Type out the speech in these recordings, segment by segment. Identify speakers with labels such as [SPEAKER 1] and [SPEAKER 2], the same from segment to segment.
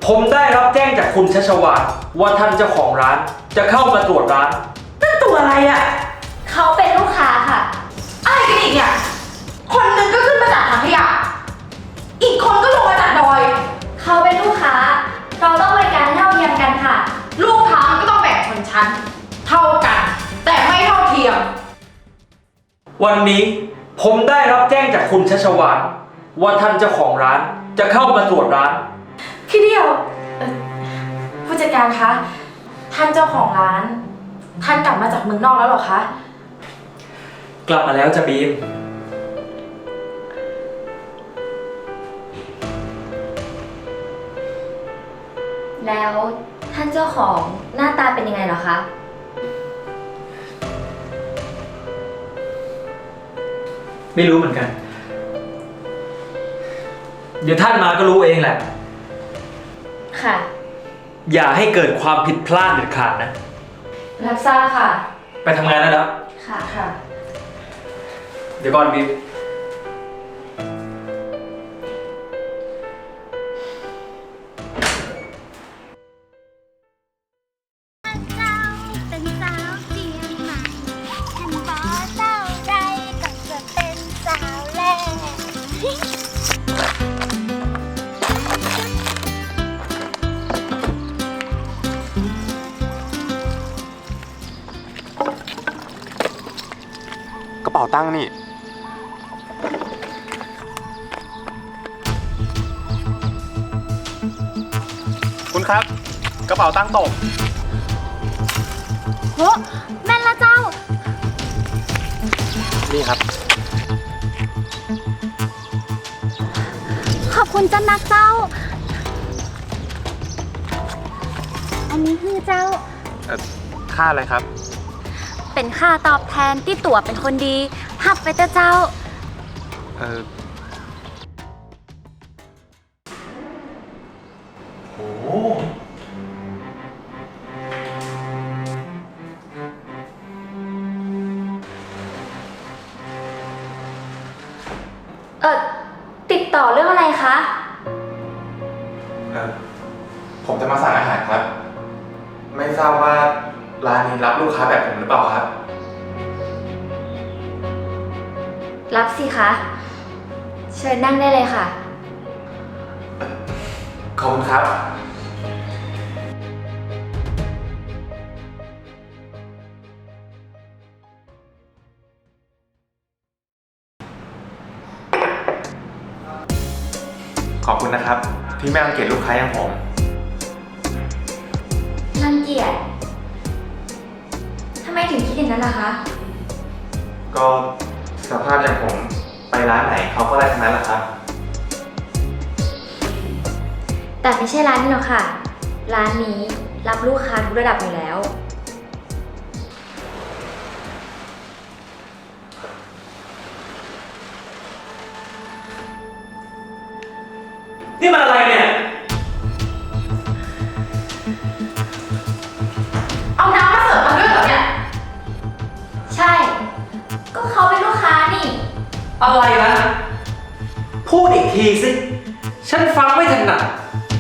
[SPEAKER 1] ผมได้รับแจ้งจากคุณชัชวาลว่าท่านเจ้าของร้านจะเข้ามาตรวจร้าน
[SPEAKER 2] นั่นตัวอะไรอ่ะ
[SPEAKER 3] เขาเป็นลูกค้าค่ะ
[SPEAKER 2] อะไรกันอีกเนี่ย คนหนึ่งก็ขึ้นมาจากถังขยะ อีกคนก็ลงมาจากดอย
[SPEAKER 3] เขาเป็นลูกค้า เราต้องบริการเท่าเทียมกันค่ะ
[SPEAKER 2] ลูกค้ามันก็ต้องแบ่งชนชั้นเท่ากัน แต่ไม่เท่าเทียม
[SPEAKER 1] วันนี้ผมได้รับแจ้งจากคุณชัชวาลว่าท่านเจ้าของร้านจะเข้ามาตรวจร้าน
[SPEAKER 2] พี่เดียวผู้จัดการคะ ท่านเจ้าของร้าน ท่านกลับมาจากเมืองนอกแล้วเหรอคะ
[SPEAKER 1] กลับมาแล้วจ้ะบีม
[SPEAKER 3] แล้วท่านเจ้าของหน้าตาเป็นยังไงเหรอคะ
[SPEAKER 1] ไม่รู้เหมือนกัน เดี๋ยวท่านมาก็รู้เองแหละ
[SPEAKER 3] ค่ะ
[SPEAKER 1] อย่าให้เกิดความผิดพลาดเด็ดขาดนะ
[SPEAKER 2] รับทราบค่ะ
[SPEAKER 1] ไปทำงานแล้วนะ
[SPEAKER 3] ค่ะ
[SPEAKER 2] ค่ะ
[SPEAKER 1] เดี๋ยวก่อนบีม
[SPEAKER 4] เจ้าเป็นสาวเจียงใหม่ฉันบอกเจ้าใดก็จะเป็นสาวแรก
[SPEAKER 5] กระเป๋าตังค์นี่ คุณครับ กระเป๋าตังค์ตก
[SPEAKER 4] โหแม่นละเจ้า
[SPEAKER 5] นี่ครับ
[SPEAKER 4] ขอบคุณจันนักเจ้า อันนี้คือเจ้า
[SPEAKER 5] ค่าอะไรครับ
[SPEAKER 4] เป็นค่าตอบแทนที่ตั๋วเป็นคนดีหับไปเถอะเจ้า
[SPEAKER 5] เออโอ้
[SPEAKER 3] ติดต่อเรื่องอะไรคะ
[SPEAKER 5] ผมจะมาสั่งอาหารครับ ไม่ทราบว่าร้านนี้รับลูกค้าแบบผมหรือเปล่าครับ
[SPEAKER 3] รับสิคะ เชิญนั่งได้เลยค่ะ
[SPEAKER 5] ขอบคุณครับ ขอบคุณนะครับ ที่ไม่รังเกียจลูกค้าอย่างผม
[SPEAKER 3] รังเกียจ ทำไมถึงคิดอย่างนั้นล่ะคะ
[SPEAKER 5] ก็สภาพอย่างผมไปร้านไหนเขาก็ได้ทั้งนั้นแหละครับ
[SPEAKER 3] แต่ไม่ใช่ร้านนี้หรอกค่ะ ร้านนี้รับลูกค้าทุกระดับอยู่แล้ว
[SPEAKER 1] นี่มันอะไรเนี่ย
[SPEAKER 2] เอาน้ำมาเสิร์ฟมาด้วยเหรอเนี่ย
[SPEAKER 3] ใช่ ก็เขาเป็นลูกค้านี่
[SPEAKER 1] อะไรนะ พูดอีกทีสิ ฉันฟังไม่ถนัด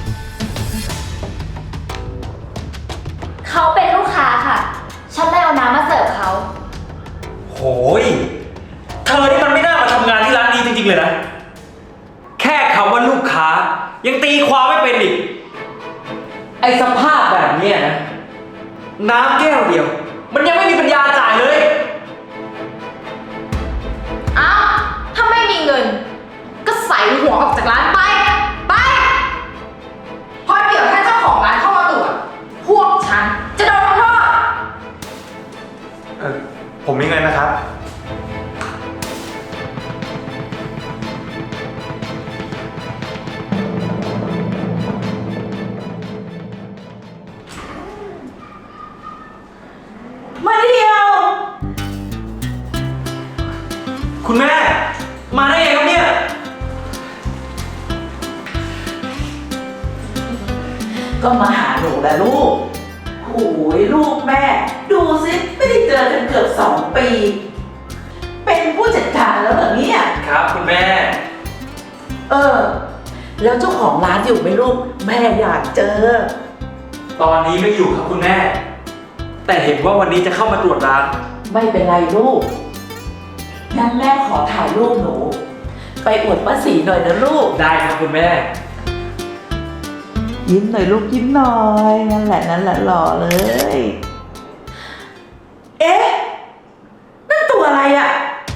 [SPEAKER 3] เขาเป็นลูกค้าค่ะ ฉันเลยเอาน้ำมาเสิร์ฟเขา
[SPEAKER 1] โหย เธอนี่มันไม่น่ามาทำงานที่ร้านนี้จริงๆเลยนะ แค่คำว่าลูกค้า ยังตีความไม่เป็นอีก ไอสภาพแบบเนี้ยนะ น้ำแก้วเดียว มันยังไม่มีปัญญาจ่ายเลย
[SPEAKER 2] อ้าวถ้าไม่มีเงิน ก็ใส่หัวออกจากร้านไป ไปเพราะเดี๋ยวถ้าเจ้าของร้านเข้ามาตรวจ พวกฉันจะโดนทำโทษ
[SPEAKER 5] ผมมีเงินนะครับ
[SPEAKER 2] มาเดียว
[SPEAKER 1] คุณแม่ มาได้ไงครับเนี่ย
[SPEAKER 6] ก็มาหาหนูแหละลูกโอ้ยลูกแม่ ดูสิไม่ได้เจอกันเกือบ2 ปี เป็นผู้จัดการแล้วเหรอเนี่ย
[SPEAKER 1] ครับคุณแม่
[SPEAKER 6] เออแล้วเจ้าของร้านอยู่ไหมลูก แม่อยากเจอ
[SPEAKER 1] ตอนนี้ไม่อยู่ครับคุณแม่ แต่เห็นว่าวันนี้จะเข้ามาตรวจร้าน
[SPEAKER 6] ไม่เป็นไรลูก งั้นแม่ขอถ่ายรูปหนู ไปอวดป้าสีหน่อยนะลูก
[SPEAKER 1] ได้ครับคุณแม่
[SPEAKER 6] ยิ้มหน่อยลูกยิ้มหน่อย นั่นแหละหล่อเลย เอ๊ะ นั่นตัวอะไรอ่ะ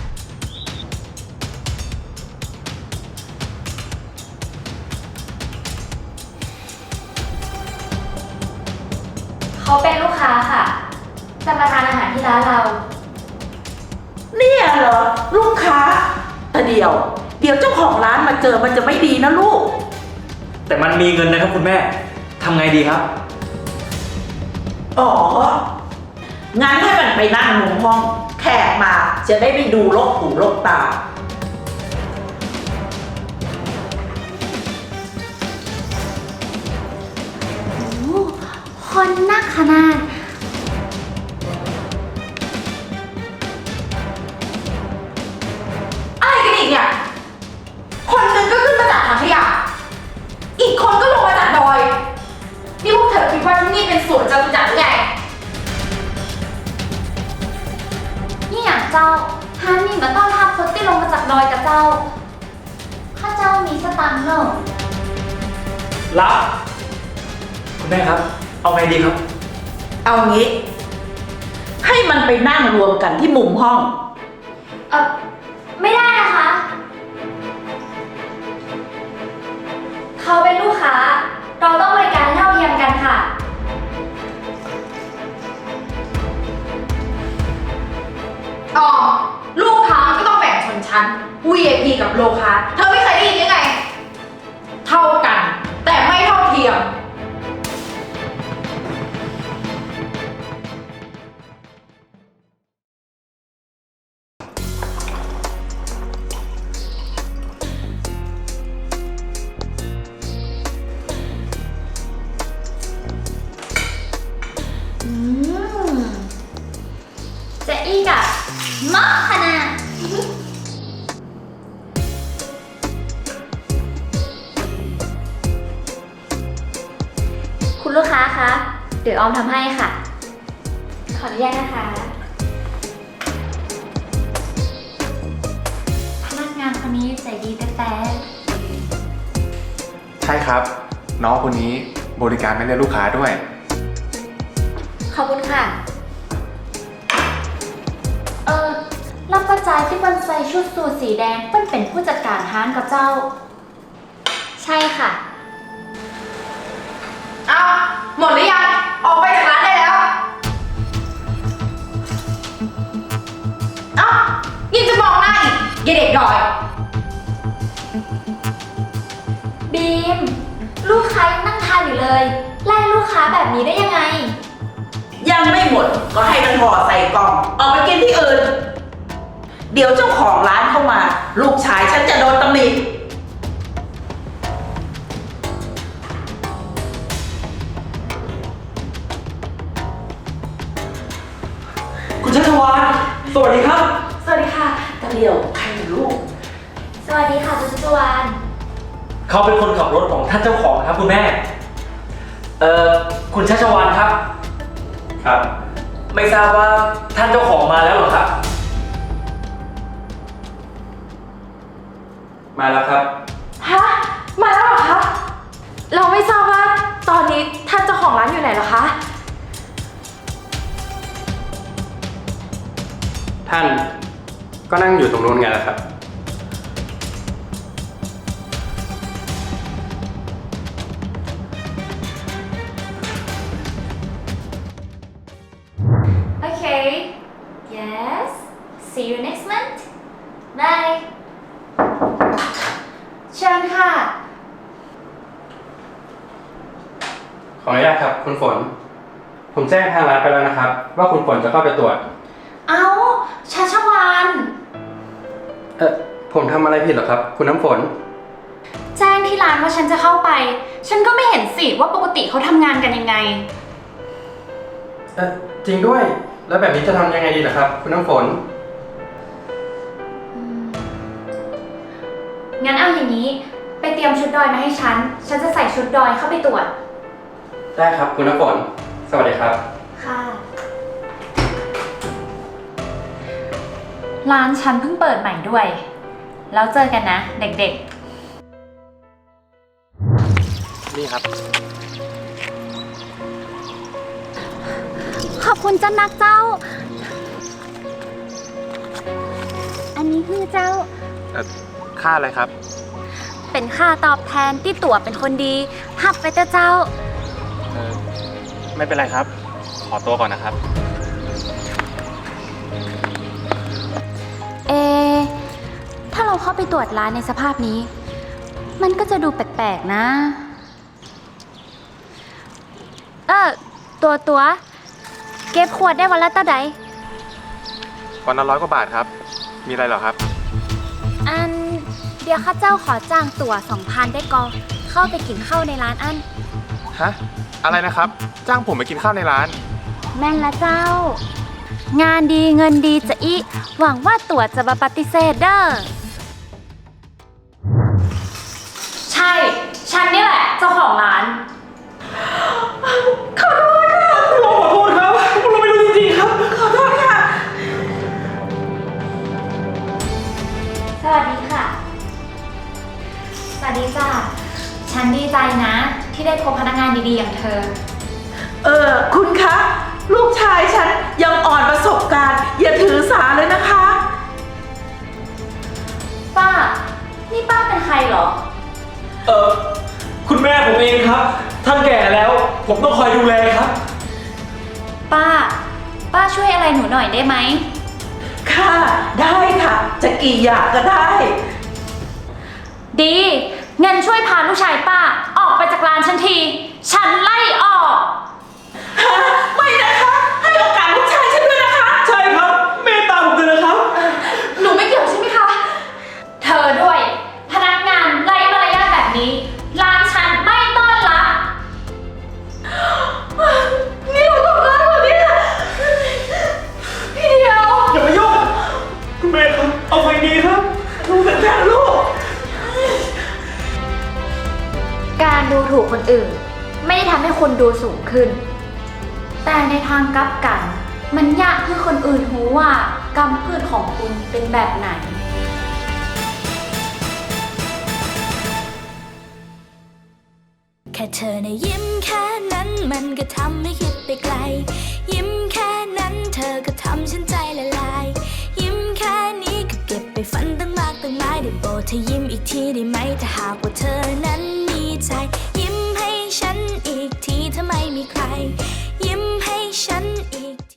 [SPEAKER 3] เขาเป็นลูกค้าค่ะ จะมาทานอาหารที่ร้านเรา
[SPEAKER 6] เนี่ยเหรอ ลูกค้าแต่เดี๋ยวเจ้าของร้านมาเจอมันจะไม่ดีนะลูก
[SPEAKER 1] แต่มันมีเงินนะครับคุณแม่ ทำไงดีครับ
[SPEAKER 6] อ๋อ งั้นให้มันไปนั่งมุมห้อง แขกมาจะได้ไม่ดูลกหูลกตา
[SPEAKER 3] คนนักขนาด
[SPEAKER 2] อะไรกันอีกเนี่ย คนหนึ่งก็ขึ้นมาจากถังขยะ อีกคนก็ลงมาจากดอย นี่พวกเธอคิดว่าที่นี่เป็นสวนจตุจักรหรือไง
[SPEAKER 3] นี่อย่างเจ้าฮานี่มาต้อนรับคนที่ลงมาจากดอยกับเจ้า ข้าเจ้ามีสตังค์เนอะ
[SPEAKER 1] รับ คุณแม่ครับ เอาไงดีครับ
[SPEAKER 6] เอางี้ ให้มันไปนั่งรวมกันที่มุมห้อง
[SPEAKER 3] ไม่ได้นะคะ เขาเป็นลูกค้า เราต้องบริการเท่าเทียมกันค่ะ
[SPEAKER 2] อ๋อ ลูกค้าก็ต้องแบ่งชนชั้น VIP กับโลค้า เธอไม่เคยได้ยินยังไง เท่ากัน แต่ไม่เท่าเทียม
[SPEAKER 3] จะอีกอะมากขนาดคุณลูกค้าคะ เดี๋ยวออมทำให้ค่ะ ขออนุญาตนะคะ พนักงานคนนี้ใจดีแต่
[SPEAKER 5] ใช่ครับ น้องคนนี้บริการไม่เลือกลูกค้าด้วย
[SPEAKER 3] ขอบคุณค่ะ รับประจายที่มันใส่ชุดสูทสีแดงเปิ้นเป็นผู้จัดการห้างกับเจ้า ใช่ค่ะ
[SPEAKER 2] เอาหมดหรือยัง ออกไปจากร้านได้แล้ว เอายังจะมองหน้าอีกอย่าเด็กดอย
[SPEAKER 3] บีม ลูกค้ายังนั่งทานอยู่เลย ไล่ลูกค้าแบบนี้ได้ยังไง
[SPEAKER 6] ยังไม่หมดก็ให้มันห่อใส่กล่องออกไปกินที่อื่น เดี๋ยวเจ้าของร้านเข้ามา ลูกชายฉันจะโดนตำหนิ
[SPEAKER 1] คุณชัชวานสวัสดีครับ
[SPEAKER 6] สวัสดีค่ะตะเดียวใครลูก
[SPEAKER 3] สวัสดีค่ะคุณชัชวาน
[SPEAKER 1] เขาเป็นคนขับรถของท่านเจ้าของครับคุณแม่ คุณชัชวานครับ ครับ ไม่ทราบว่าท่านเจ้าของมาแล้วเหรอครับ
[SPEAKER 7] มาแล้วครับ
[SPEAKER 2] ฮะ มาแล้วเหรอคะ เราไม่ทราบว่าตอนนี้ท่านเจ้าของร้านอยู่ไหนเหรอคะ
[SPEAKER 7] ท่านก็นั่งอยู่ตรงนู้นไงล่ะครับ
[SPEAKER 3] Okay yes see you next month bye เชิญค่ะ
[SPEAKER 7] ขออนุญาตครับคุณฝน ผมแจ้งทางร้านไปแล้วนะครับ ว่าคุณฝนจะเข้าไปตรวจ
[SPEAKER 3] เอ้าชัชวาน
[SPEAKER 7] ผมทำอะไรผิดเหรอครับ คุณน้ำฝน
[SPEAKER 8] แจ้งที่ร้านว่าฉันจะเข้าไป ฉันก็ไม่เห็นสิว่าปกติเขาทำงานกันยังไง
[SPEAKER 7] จริงด้วย แล้วแบบนี้จะทำยังไงดีล่ะครับ คุณน้ำฝน
[SPEAKER 8] งั้นเอาอย่างนี้ ไปเตรียมชุดดอยมาให้ฉัน ฉันจะใส่ชุดดอยเข้าไปตรวจ
[SPEAKER 7] ได้ครับคุณน้ำฝน สวัสดีครับ
[SPEAKER 8] ค่ะ ร้านฉันเพิ่งเปิดใหม่ด้วย แล้วเจอกันนะเด็กๆ
[SPEAKER 5] นี่ครับ
[SPEAKER 4] ขอบคุณเจ้านักเจ้า อันนี้คือเจ้า
[SPEAKER 5] ค่าอะไรครับ
[SPEAKER 4] เป็นค่าตอบแทนที่ตั๋วเป็นคนดีหับไปเถอะเจ้า
[SPEAKER 5] ไม่เป็นไรครับ ขอตัวก่อนนะครับ
[SPEAKER 4] ถ้าเราเข้าไปตรวจร้านในสภาพนี้ มันก็จะดูแปลกๆนะ ตัวเก็บขวดได้วันละเท่าใด
[SPEAKER 5] วันละ100 กว่าบาทครับ มีอะไรเหรอครับ
[SPEAKER 4] เดี๋ยวข้าเจ้าขอจ้างตั๋ว 2,000 ได้ก็เข้าไปกินข้าวในร้านอัน
[SPEAKER 5] ฮะ อะไรนะครับ จ้างผมไปกินข้าวในร้าน
[SPEAKER 4] แม่นละเจ้า งานดีเงินดีจะอีหวังว่าตั๋วจะมาปฏิเสธเด้อ
[SPEAKER 8] ใช่ ฉันนี่แหละเจ้าของร้าน
[SPEAKER 1] ขอโทษครับเราไม่รู้จริงๆครับ
[SPEAKER 8] สวัสดีค่ะ สวัสดีจ้าฉันดีใจนะ ที่ได้พบพนักงานดีๆอย่างเธอ
[SPEAKER 6] คุณคะ ลูกชายฉันยังอ่อนประสบการณ์ อย่าถือสาเลยนะคะ
[SPEAKER 8] ป้า นี่ป้าเป็นใครเหรอ
[SPEAKER 1] คุณแม่ผมเองครับ ท่านแก่แล้ว ผมต้องคอยดูแลครับ
[SPEAKER 8] ป้าช่วยอะไรหนูหน่อยได้ไหม
[SPEAKER 6] ค่ะ ได้ค่ะ จะกี่อย่างก็ได้
[SPEAKER 8] ดีงั้นช่วยพาลูกชายป้า ออกไปจากร้านฉันที ฉันไล่ออก
[SPEAKER 6] ไม่นะคะ ให้โอกาสลูกชายฉันด้วยนะคะ
[SPEAKER 1] ใช่ครับ เมตตาผมเลยนะครับ
[SPEAKER 8] หนูไม่เกี่ยวใช่ไหมคะ เธอด้วย พนักงานไร้มารยาทแบบนี้ ร้านฉันไม่ต้อนรับ
[SPEAKER 6] นี่เราทำร้ายเหรอเนี่ย
[SPEAKER 8] พี่เดียว
[SPEAKER 1] อย่ามายุ่งคุณแม่ครับ เอาไงดีครับ
[SPEAKER 6] ลูกเป็นแฟนลูก
[SPEAKER 8] การดูถูกคนอื่น ไม่ได้ทำให้คนดูสูงขึ้น แต่ในทางกลับกัน มันยากให้คนอื่นรู้ว่ากรรมพืชของคุณเป็นแบบไหน
[SPEAKER 9] แค่เธอในะยิ้มแค่นั้นมันก็ทำให้คิดไปไกล ยิ้มแค่นั้นเธอก็ทำฉันใจละลาย ยิ้มแค่นี้ก็เก็บไปฝันตั้งมากตั้งหลายได้โปรดเธอยิ้มอีกทีได้ไหมถ้าหากว่าเธอนั้นมีใจ ยิ้มให้ฉันอีกทีถ้าไม่มีใคร ยิ้ม